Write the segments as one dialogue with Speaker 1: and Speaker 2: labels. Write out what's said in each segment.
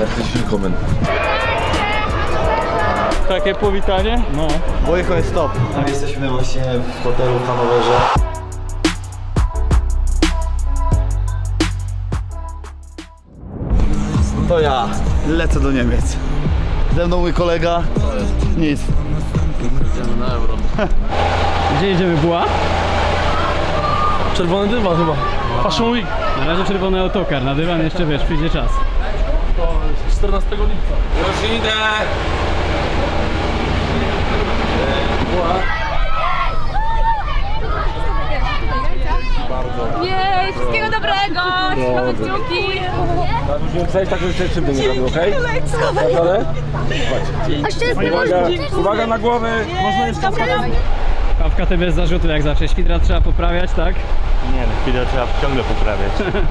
Speaker 1: herzlich willkommen.
Speaker 2: Takie powitanie?
Speaker 3: No.
Speaker 4: Wojcho jest top. Jesteśmy właśnie w hotelu w Hanowerze. To ja lecę do Niemiec. Ze mną mój kolega. Nic.
Speaker 1: Idziemy na euro.
Speaker 2: Gdzie jedziemy, Buła?
Speaker 1: Czerwony dywan chyba. Fashion Week.
Speaker 2: Na razie czerwony autokar, na dywan jeszcze wiesz, przyjdzie czas.
Speaker 1: To 14 lipca. Już idę.
Speaker 5: Jej, wszystkiego dobrego! Trzymamy kciuki!
Speaker 1: Przejść tak, żeby krzywdy nie robił, okej?
Speaker 2: Uwaga na głowy, można jeszcze Kawka ty bez zarzutu jak zawsze, świdra trzeba poprawiać, tak?
Speaker 3: Nie, no chwilę trzeba ciągle poprawiać.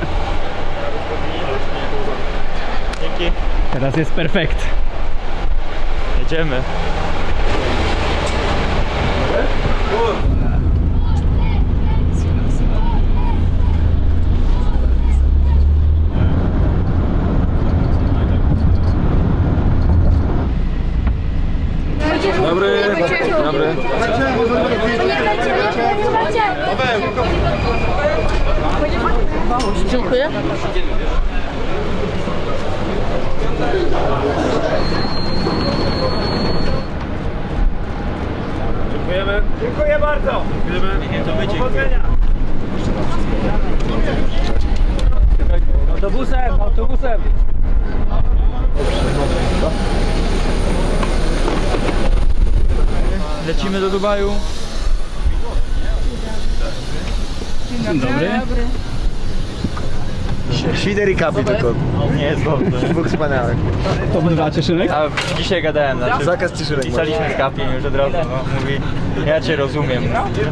Speaker 3: Dzięki.
Speaker 2: Teraz jest perfekt.
Speaker 3: Jedziemy.
Speaker 1: Dobry. Dobry.
Speaker 5: Dziękuję.
Speaker 3: Dziękujemy. Dziękuję bardzo. Dziękujemy. Powodzenia.
Speaker 2: Autobusem, autobusem!
Speaker 3: Lecimy do Dubaju.
Speaker 2: Dzień dobry.
Speaker 4: Świder i kapi tylko.
Speaker 3: Nie jest dobrze.
Speaker 4: Dwóch wspaniałych.
Speaker 2: To dwa Cieszynek?
Speaker 3: A dzisiaj gadałem, znaczy
Speaker 4: Zakaz ciszylek.
Speaker 3: pisaliśmy z Kapiem już od razu, no, mówi, ja cię rozumiem.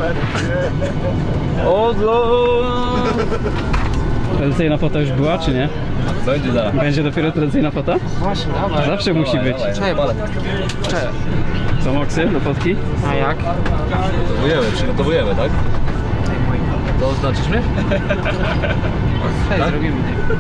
Speaker 2: Tradycyjna fota już była, czy nie?
Speaker 1: Będzie zaraz.
Speaker 2: Będzie dopiero tradycyjna fota?
Speaker 6: Właśnie, dawaj.
Speaker 2: Zawsze musi być.
Speaker 6: Cześć.
Speaker 2: Co, moksy do fotki?
Speaker 6: A jak?
Speaker 1: Przygotowujemy, tak? To oznaczysz mnie?
Speaker 6: Cześć, zrobimy.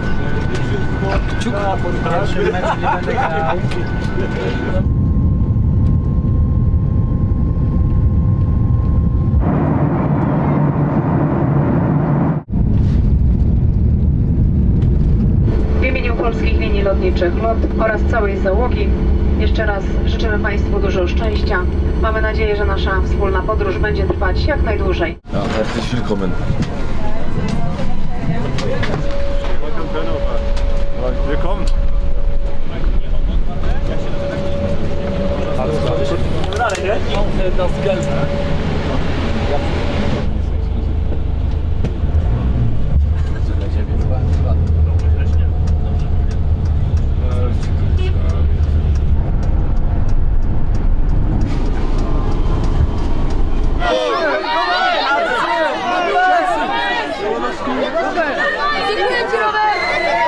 Speaker 7: W imieniu Polskich Linii Lotniczych LOT oraz całej załogi jeszcze raz życzymy Państwu dużo szczęścia. Mamy nadzieję, że nasza wspólna podróż będzie trwać jak najdłużej.
Speaker 1: Ja, herzlich willkommen.
Speaker 3: Willkommen.
Speaker 1: Das Geld.
Speaker 5: Dziękuję Ci, Robert!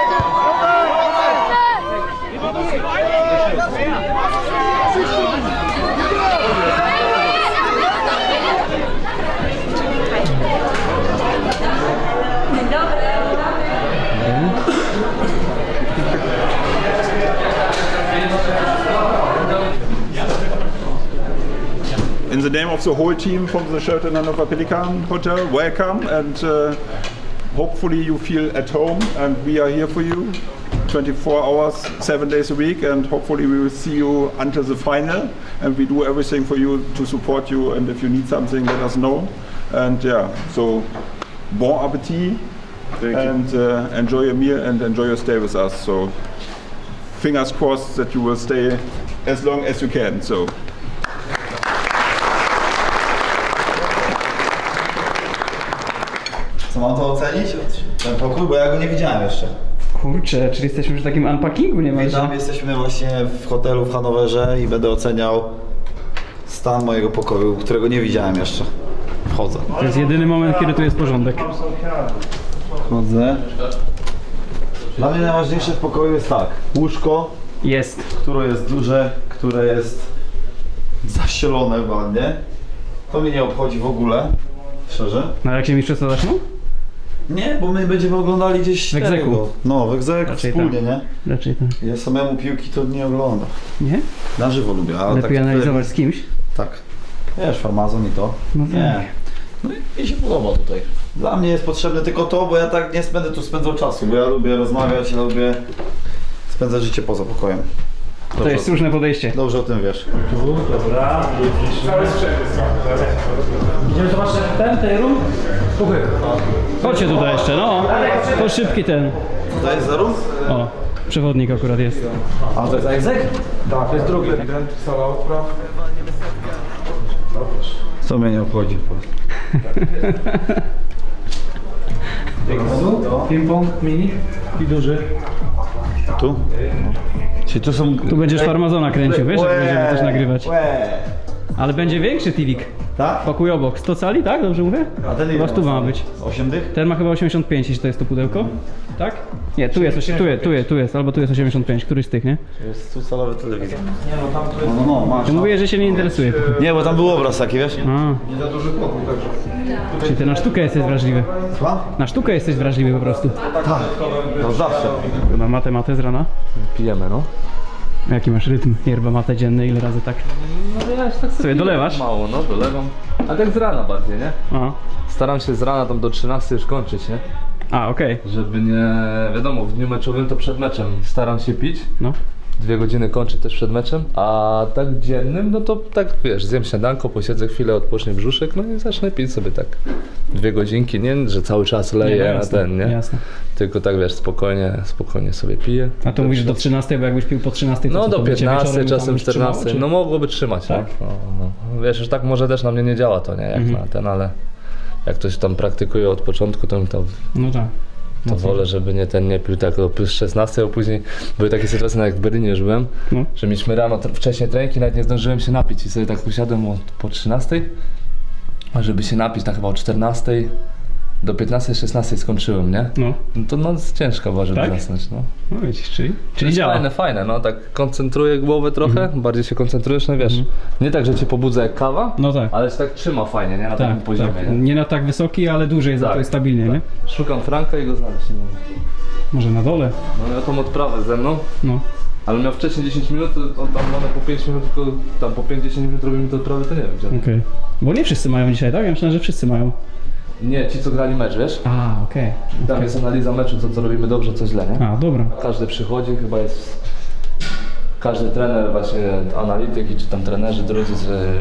Speaker 8: In the name of the whole team from the Sheraton Hanover Pelican Hotel, welcome, and hopefully you feel at home, and we are here for you 24 hours, 7 days a week, and hopefully we will see you until the final, and we do everything for you to support you, and if you need something, let us know. And yeah, so bon appetit, and enjoy your meal and enjoy your stay with us. So fingers crossed that you will stay as long as you can. So.
Speaker 4: Co mam to ocenić? Ten pokój, bo ja go nie widziałem jeszcze.
Speaker 2: Kurczę, czyli jesteśmy już w takim unpackingu niemalże.
Speaker 4: Witam, jesteśmy właśnie w hotelu w Hanowerze i będę oceniał stan mojego pokoju, którego nie widziałem jeszcze. Wchodzę.
Speaker 2: To jest jedyny moment, kiedy tu jest porządek.
Speaker 4: Wchodzę. Dla mnie najważniejsze w pokoju jest tak. Łóżko,
Speaker 2: Jest.
Speaker 4: które jest duże, które jest zaścielone ładnie. To mnie nie obchodzi w ogóle, szczerze.
Speaker 2: No jak się mi przesadzasz, no?
Speaker 4: Nie, bo my będziemy oglądali gdzieś
Speaker 2: W Egzeku.
Speaker 4: tego. No, w Egzeku
Speaker 2: Raczej
Speaker 4: wspólnie,
Speaker 2: tak.
Speaker 4: nie?
Speaker 2: Raczej tak.
Speaker 4: Ja samemu piłki to nie oglądam.
Speaker 2: Nie?
Speaker 4: Na żywo lubię, ale
Speaker 2: Lepiej
Speaker 4: tak
Speaker 2: analizować z kimś?
Speaker 4: Tak. Wiesz, farmazon i to.
Speaker 2: No
Speaker 4: Nie.
Speaker 2: tak.
Speaker 4: No i mi się podoba tutaj. Dla mnie jest potrzebne tylko to, bo ja tak nie będę tu spędzał czasu, bo ja lubię rozmawiać, ja lubię spędzać życie poza pokojem.
Speaker 2: To jest słuszne podejście.
Speaker 4: Dobrze o tym wiesz.
Speaker 2: Dobra. Idziemy zobaczyć ten room? Chodźcie tutaj jeszcze, no. To szybki ten.
Speaker 4: Tutaj jest za rum?
Speaker 2: O, przewodnik akurat jest.
Speaker 4: A to jest Egzek?
Speaker 1: Tak, to jest drugi. Sala odpraw.
Speaker 4: Co mnie nie obchodzi?
Speaker 2: Ping-pong mini i duży.
Speaker 4: Tu? Czyli tu są...
Speaker 2: Tu będziesz farmazona kręcił, wiesz, jak będziemy też nagrywać.
Speaker 4: Łe.
Speaker 2: Ale będzie większy TV-ik.
Speaker 4: Tak?
Speaker 2: Pokój obok. 100 cali, tak? Dobrze mówię?
Speaker 4: A ten
Speaker 2: Chyba 100 ma być.
Speaker 4: 8 dych?
Speaker 2: Ten ma chyba 85, jeśli to jest to pudełko. Tak? Nie, tu jest, albo tu jest 85, któryś z tych, nie?
Speaker 4: Jest tu calowy telewizor. No, masz.
Speaker 2: Ty mówię, że się nie interesuje.
Speaker 4: Nie, bo tam był obraz taki, wiesz?
Speaker 2: A,
Speaker 1: Nie za duży pokój, także.
Speaker 2: czyli ty na sztukę jesteś wrażliwy.
Speaker 4: Słucham?
Speaker 2: Na sztukę jesteś wrażliwy po prostu.
Speaker 4: Tak. No zawsze.
Speaker 2: Na matę z rana.
Speaker 6: Pijemy, no.
Speaker 2: Jaki masz rytm? Yerba mate dzienny, ile razy tak?
Speaker 6: No ja tak
Speaker 2: Sobie dolewasz?
Speaker 6: Mało, no dolewam. A tak z rana bardziej, nie?
Speaker 2: A,
Speaker 6: Staram się z rana tam do 13 już kończyć, nie?
Speaker 2: okej.
Speaker 6: Żeby nie, wiadomo, w dniu meczowym to przed meczem staram się pić.
Speaker 2: No.
Speaker 6: 2 godziny kończę też przed meczem, a tak dziennym, no to tak wiesz, zjem śniadanko, posiedzę chwilę, odpocznie brzuszek, no i zacznę pić sobie tak 2 godzinki, nie, że cały czas leję
Speaker 2: no
Speaker 6: na
Speaker 2: jasne,
Speaker 6: ten, nie?
Speaker 2: Jasne.
Speaker 6: Tylko tak wiesz, spokojnie sobie piję.
Speaker 2: A to mówisz do 13, bo jakbyś pił po 13, to
Speaker 6: No
Speaker 2: co,
Speaker 6: do
Speaker 2: to by cię
Speaker 6: 15,
Speaker 2: wieczorem tam
Speaker 6: czasem
Speaker 2: już trzymało,
Speaker 6: 14,
Speaker 2: czy-
Speaker 6: no mogłoby trzymać,
Speaker 2: Tak?
Speaker 6: no. Wiesz, że tak może też na mnie nie działa to, nie, jak na ten, ale jak ktoś tam praktykuje od początku, to
Speaker 2: No tak.
Speaker 6: to wolę, żeby nie pił tak do plus 16, a później były takie sytuacje, jak w Berlinie już byłem,
Speaker 2: No.
Speaker 6: że mieliśmy rano wcześniej treningi, nawet nie zdążyłem się napić i sobie tak usiadłem po 13, a żeby się napić na chyba o 14, do 15-16 skończyłem, nie?
Speaker 2: No.
Speaker 6: No to noc ciężka była, żeby
Speaker 2: Tak?
Speaker 6: zasnąć, no.
Speaker 2: No widzisz, czyli
Speaker 6: To
Speaker 2: działa.
Speaker 6: jest fajne, no tak koncentruję głowę trochę, bardziej się koncentrujesz, no wiesz, nie tak, że cię pobudza jak kawa,
Speaker 2: No tak.
Speaker 6: ale się tak trzyma fajnie, nie? Na takim
Speaker 2: Tak,
Speaker 6: poziomie,
Speaker 2: tak.
Speaker 6: nie?
Speaker 2: Nie na tak wysoki, ale dłużej za
Speaker 6: Tak,
Speaker 2: to jest stabilnie, nie?
Speaker 6: Szukam Franka i go znaleźć nie mogę.
Speaker 2: Może na dole?
Speaker 6: No miał tą odprawę ze mną,
Speaker 2: No.
Speaker 6: ale miał wcześniej 10 minut, to on tam one po 5 minut, tylko tam po 5-10 minut robimy tę odprawę, to nie wiem gdzie.
Speaker 2: Okej. Bo nie wszyscy mają dzisiaj, tak? Ja myślałem, że wszyscy mają.
Speaker 6: Nie, ci co grali mecz, wiesz?
Speaker 2: A, okej.
Speaker 6: Tam jest analiza meczu, co robimy dobrze, co źle, nie?
Speaker 2: A, dobra.
Speaker 6: Każdy przychodzi, chyba jest każdy trener, właśnie analityki, czy tam trenerzy drodzy,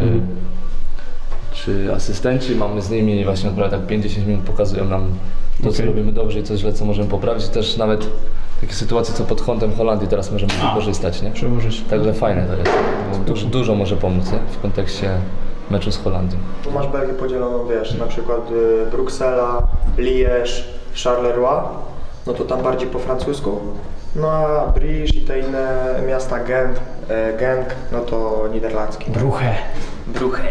Speaker 6: czy asystenci, mamy z nimi właśnie naprawdę tak 5-10 minut pokazują nam to, co
Speaker 2: Okej.
Speaker 6: robimy dobrze i co źle, co możemy poprawić. Też nawet takie sytuacje, co pod kątem Holandii teraz możemy wykorzystać, nie?
Speaker 2: Przełożysz.
Speaker 6: Także fajne to jest, bo dużo może pomóc, nie? W kontekście meczu z Holandią.
Speaker 9: Tu masz Belgię podzieloną, wiesz, na przykład Bruksela, Liège, Charleroi, no to tam bardziej po francusku. No a Bruges i te inne miasta, Genk, no to niderlandzki.
Speaker 2: Bruche.
Speaker 9: Bruche.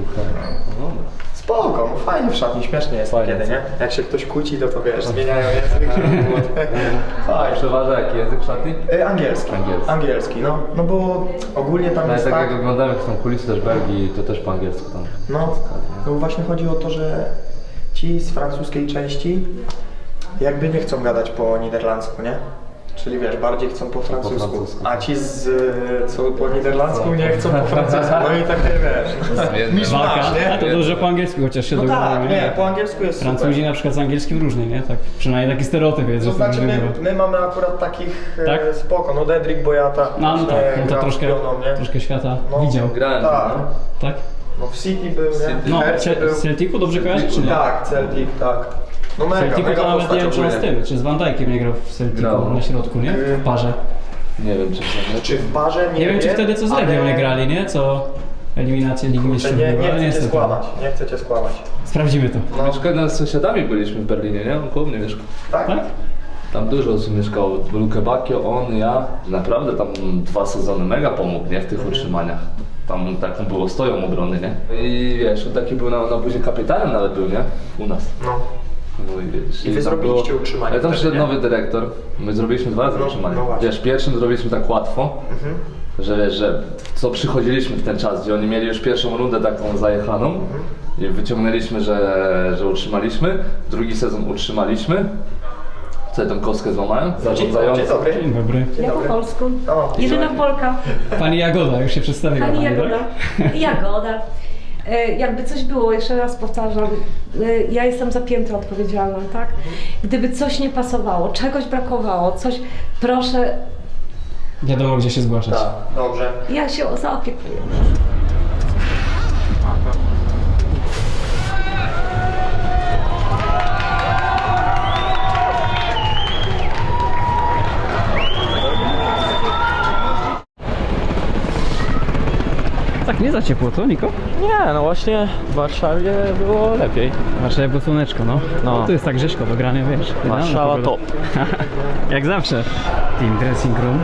Speaker 9: Spoko, no fajnie w szatni, śmiesznie jest
Speaker 6: Fajnie,
Speaker 9: kiedy, nie? Jak się ktoś kłóci, to wiesz, zmieniają język, żeby było fajnie.
Speaker 6: Przeważa jaki język w szatni?
Speaker 9: Angielski.
Speaker 6: Angielski.
Speaker 9: Angielski, no bo ogólnie tam
Speaker 6: Ale
Speaker 9: jest
Speaker 6: tak
Speaker 9: tak,
Speaker 6: jak oglądamy jak są kulisy też Belgii, to też po angielsku tam.
Speaker 9: no właśnie chodzi o to, że ci z francuskiej części jakby nie chcą gadać po niderlandzku, nie? Czyli wiesz, bardziej chcą po francusku,
Speaker 6: francusku.
Speaker 9: a ci co po niderlandzku nie chcą po francusku, no i takie wiesz, misz
Speaker 2: Walka.
Speaker 9: nie?
Speaker 2: A to dobrze po angielsku chociaż się
Speaker 9: No
Speaker 2: dogadamy,
Speaker 9: tak, nie, po angielsku jest
Speaker 2: Francuzi
Speaker 9: super.
Speaker 2: na przykład z angielskim różnie, nie? Tak, przynajmniej taki stereotyp jest,
Speaker 9: To
Speaker 2: że
Speaker 9: znaczy
Speaker 2: to różnie bywa.
Speaker 9: my mamy akurat takich
Speaker 2: Tak?
Speaker 9: spoko, no Dedrick Boyata
Speaker 2: No tak, no to
Speaker 9: grał
Speaker 2: troszkę,
Speaker 9: z Pioną, nie?
Speaker 2: troszkę świata
Speaker 9: No.
Speaker 2: widział,
Speaker 6: Grałem,
Speaker 9: Tak,
Speaker 6: no.
Speaker 2: tak?
Speaker 9: no w City był, nie?
Speaker 2: No,
Speaker 9: W Hercie był.
Speaker 2: z Celticu dobrze kojarzysz, czy nie?
Speaker 9: Tak, Celtic, tak. No
Speaker 2: W
Speaker 9: mega,
Speaker 2: Celticu
Speaker 9: mega
Speaker 2: to nawet
Speaker 9: postać
Speaker 2: nie wiem, czy on z
Speaker 9: ogólnie.
Speaker 2: tym, czy z Van Dijkiem nie grał w Celticu
Speaker 6: Grał.
Speaker 2: na środku, nie? W parze.
Speaker 6: Nie wiem czy
Speaker 9: Czy w barze?
Speaker 2: Nie wiem, czy wtedy co z Legią
Speaker 9: ale-
Speaker 2: nie grali, nie? Co eliminację Ligi Mistrzów
Speaker 9: Nie,
Speaker 2: była, ale
Speaker 9: nie chcę cię
Speaker 2: niestety.
Speaker 9: skłamać, nie chcę cię skłamać.
Speaker 2: Sprawdzimy to.
Speaker 9: No,
Speaker 6: Mieszkałem z sąsiadami byliśmy w Berlinie, nie? On koło mnie mieszkał.
Speaker 9: tak?
Speaker 2: Tak?
Speaker 6: Tam dużo osób mieszkało. Luke Bacchio, on, ja. Naprawdę tam 2 sezony mega pomógł, nie? W tych utrzymaniach. Tam taką było stoją obrony, nie? I wiesz, on taki był na buzie kapitanem nawet był, nie? U nas.
Speaker 9: No.
Speaker 6: No i widzisz.
Speaker 9: I wy
Speaker 6: tam
Speaker 9: zrobiliście utrzymanie
Speaker 6: Ale tam
Speaker 9: wtedy,
Speaker 6: przyszedł
Speaker 9: nie?
Speaker 6: nowy dyrektor. My zrobiliśmy 2 razy
Speaker 9: No,
Speaker 6: utrzymanie.
Speaker 9: no właśnie.
Speaker 6: Wiesz, pierwszym zrobiliśmy tak łatwo, że wiesz, że co przychodziliśmy w ten czas, gdzie oni mieli już pierwszą rundę taką zajechaną i wyciągnęliśmy, że utrzymaliśmy. Drugi sezon utrzymaliśmy. Co ja tą kostkę złamałem? Zarządzający.
Speaker 9: Dzień dobry.
Speaker 2: Dzień dobry.
Speaker 5: Ja po polsku.
Speaker 9: O,
Speaker 5: Jedyna Polka.
Speaker 2: Pani Jagoda, już się przedstawiła.
Speaker 5: Pani
Speaker 2: tak?
Speaker 5: Jagoda. Jagoda. Jakby coś było, jeszcze raz powtarzam, ja jestem za piętro odpowiedzialna, tak? Gdyby coś nie pasowało, czegoś brakowało, coś, proszę,
Speaker 2: Wiadomo, gdzie się zgłaszać.
Speaker 9: Tak, dobrze.
Speaker 5: ja się zaopiekuję.
Speaker 2: Tak nie za ciepło, co Niko?
Speaker 3: Nie, no właśnie w Warszawie było lepiej.
Speaker 2: Warszawa było słoneczko, no.
Speaker 3: No.
Speaker 2: Tu jest tak Grześko do grania, wiesz. idealna
Speaker 3: Warszawa
Speaker 2: pogoda. Jak zawsze. Team Dressing Room.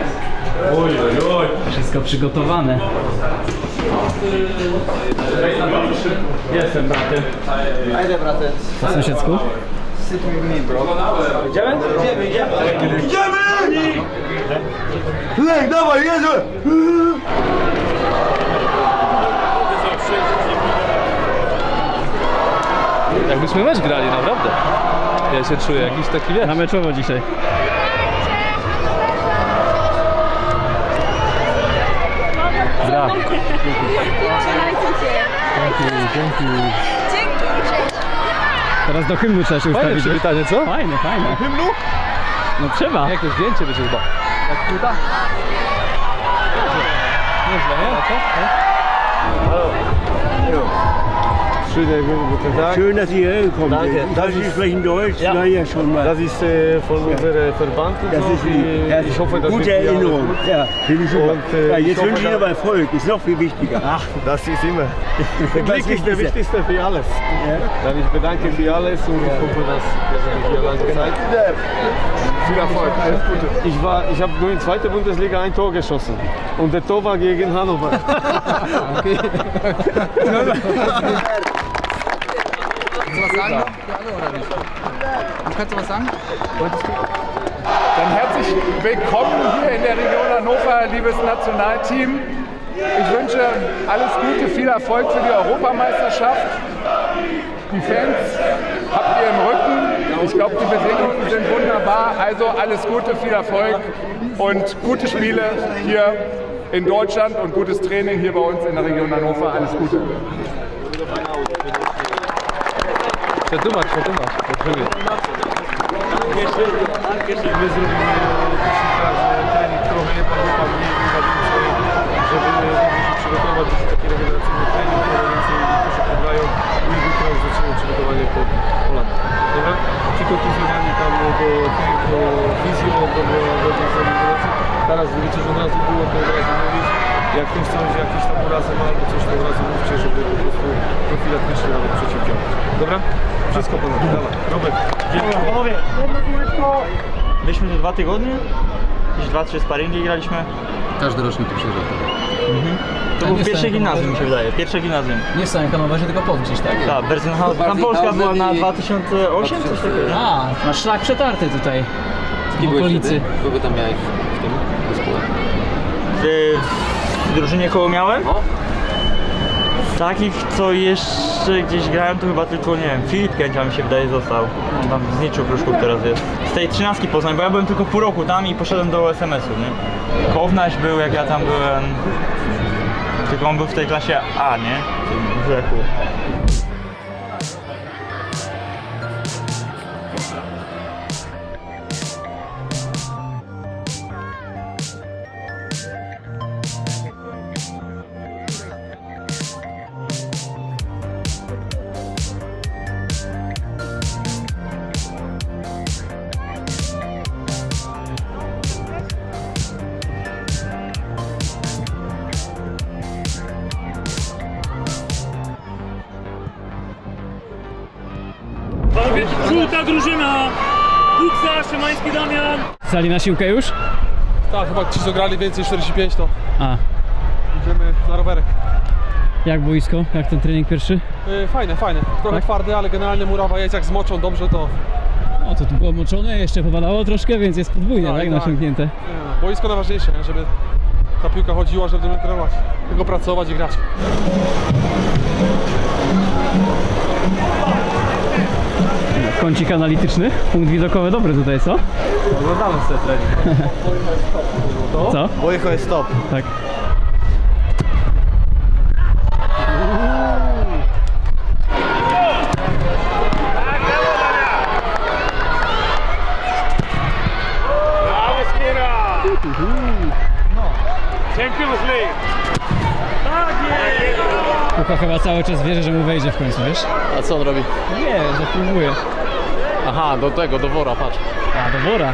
Speaker 2: Wszystko przygotowane.
Speaker 3: Jestem bratem.
Speaker 9: Ajde, braty.
Speaker 2: Po sąsiedzku?
Speaker 9: Sit with me, bro.
Speaker 3: Idziemy?
Speaker 4: Lej, dawaj, jedziemy!
Speaker 6: Jakbyśmy mecz grali, naprawdę. Ja się czuję jakiś taki, wiesz.
Speaker 2: Na meczowo dzisiaj. Gra. Teraz do hymnu trzeba się
Speaker 6: Fajne
Speaker 2: ustawić.
Speaker 6: przywitanie, co?
Speaker 2: Fajne, fajne. Hymnu? No trzeba.
Speaker 6: Jakie zdjęcie będzie chyba. Jak płyta? Nieźle, nie? A co?
Speaker 10: Schön, dass Sie hierher gekommen sind. Das Sie sprechen Deutsch? Ja, ja, schon mal.
Speaker 1: Das ist von unserem Verband und
Speaker 10: Das
Speaker 1: so.
Speaker 10: ist lieb. Ja,
Speaker 1: Ich hoffe, dass
Speaker 10: gute
Speaker 1: wir
Speaker 10: Erinnerung. Ja, finde ich super.
Speaker 1: Und,
Speaker 10: Ja,
Speaker 1: ich
Speaker 10: jetzt
Speaker 1: hoffe,
Speaker 10: wünsche ich Ihnen aber Erfolg. Ist noch viel wichtiger.
Speaker 1: Ach, das ist immer. Der Glück ist der
Speaker 10: Wichtigste.
Speaker 1: wichtigste für alles. Dann ich bedanke für alles und ich hoffe, dass wir sind hier lange Zeit. Viel Erfolg, alles Gute. Ich habe nur in 2. Bundesliga ein Tor geschossen und der Tor war gegen Hannover. Okay.
Speaker 8: Dann herzlich willkommen hier in der Region Hannover, liebes Nationalteam. Ich wünsche alles Gute, viel Erfolg für die Europameisterschaft. Die Fans habt ihr im Rücken. Ich glaube, die Bedingungen sind wunderbar. Also alles Gute, viel Erfolg und gute Spiele hier in Deutschland und gutes Training hier bei uns in der Region Hannover. Alles Gute.
Speaker 6: Przetłumacz. Potrzebuję.
Speaker 1: My zrobimy trening trochę jednak wypadnie żeby mogli się przygotować do taki regeneracyjny trening, trochę więcej to się pograją i jutro już zaczniemy przygotowanie pod Holandię. Dobra? Ci kontuzjowani tam do fizjo, do regeneracji. Teraz wiecie, że od razu było, to od razu mówić. Jak ktoś coś, jakieś tam urazy ma albo coś, to od razu mówcie, żeby po prostu profilaktycznie nawet przeciwdziałać. Dobra? Wszystko ponad. Dawaj. Robert, dziękuję.
Speaker 3: Panowie, byliśmy tu 2 tygodnie, jakieś 2-3 sparingi graliśmy.
Speaker 2: Każdy rocznik tu przyjeżdża.
Speaker 3: To było pierwsze gimnazjum, mi się wydaje, pierwsze gimnazjum.
Speaker 2: Nie w samym Hanowerze, tylko pod gdzieś, tak?
Speaker 3: Tak, Berzenhausen. Tam Polska była na 2008, coś takiego.
Speaker 2: A, masz szlak przetarty tutaj. W okolicy.
Speaker 1: Kogo tam miałeś w tym zespole?
Speaker 3: W drużynie koło miałem? Takich, co jeszcze gdzieś grałem, to chyba tylko, nie wiem, Filip Kęcia mi się wydaje został. On tam z Niczu Pruszków teraz jest. Z tej 13 Poznań, bo ja byłem tylko pół roku tam i poszedłem do SMS-u, nie? Kownaś był, jak ja tam byłem. Tylko on był w tej klasie A, nie? W Lechu.
Speaker 10: Żółta drużyna! Buksa, Szymański Damian!
Speaker 2: Sali na siłkę już?
Speaker 1: Tak, chyba ci co grali więcej 45 to
Speaker 2: A,
Speaker 1: idziemy na rowerek.
Speaker 2: Jak boisko? Jak ten trening pierwszy?
Speaker 1: Fajne, fajne. Trochę
Speaker 2: Tak?
Speaker 1: twardy, ale generalnie murawa jest, jak zmoczą dobrze, to
Speaker 2: No to tu było moczone, jeszcze powalało troszkę, więc jest podwójnie, tak? Nasiągnięte.
Speaker 1: boisko najważniejsze, nie? Żeby ta piłka chodziła, żeby trenować, tylko pracować i grać.
Speaker 2: Kącik analityczny, punkt widokowy dobry tutaj, co?
Speaker 1: Oglądamy sobie trening.
Speaker 2: Co?
Speaker 4: Boicho jest top.
Speaker 2: Tak.
Speaker 10: Champions League!
Speaker 2: Kucha chyba cały czas wierzy, że mu wejdzie w końcu, wiesz?
Speaker 6: A co on robi?
Speaker 2: Nie, zapróbuję.
Speaker 6: Aha, do tego, do wora, patrz.
Speaker 2: A, do wora.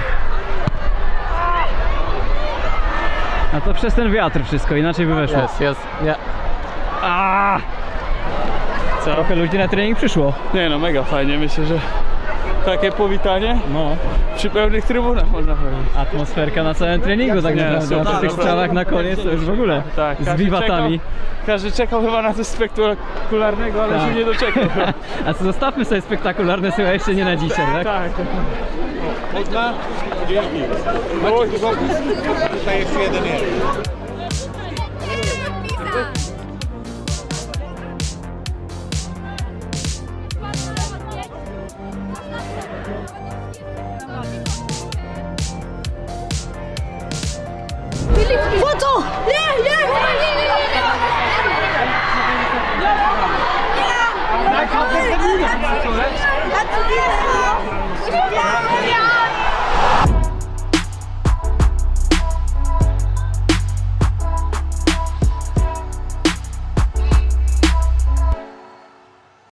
Speaker 2: A to przez ten wiatr wszystko, inaczej by weszło.
Speaker 6: Jest, nie.
Speaker 2: A! Trochę ludzi na trening przyszło.
Speaker 10: Nie no, mega fajnie, myślę, że takie powitanie
Speaker 2: No,
Speaker 10: przy pełnych trybunach można powiedzieć.
Speaker 2: atmosferka na całym treningu tak
Speaker 10: Nie,
Speaker 2: naprawdę, a po
Speaker 10: super,
Speaker 2: tych
Speaker 10: super.
Speaker 2: strzałach na koniec to już w ogóle.
Speaker 10: Tak,
Speaker 2: Z wiwatami.
Speaker 10: Każdy czekał chyba na coś spektakularnego, ale
Speaker 2: Tak.
Speaker 10: się nie doczekał.
Speaker 2: A co, zostawmy sobie spektakularne słowa jeszcze nie na dzisiaj, tak?
Speaker 10: Tak.
Speaker 1: Można? Dzięki. Tutaj jeszcze jeden jest.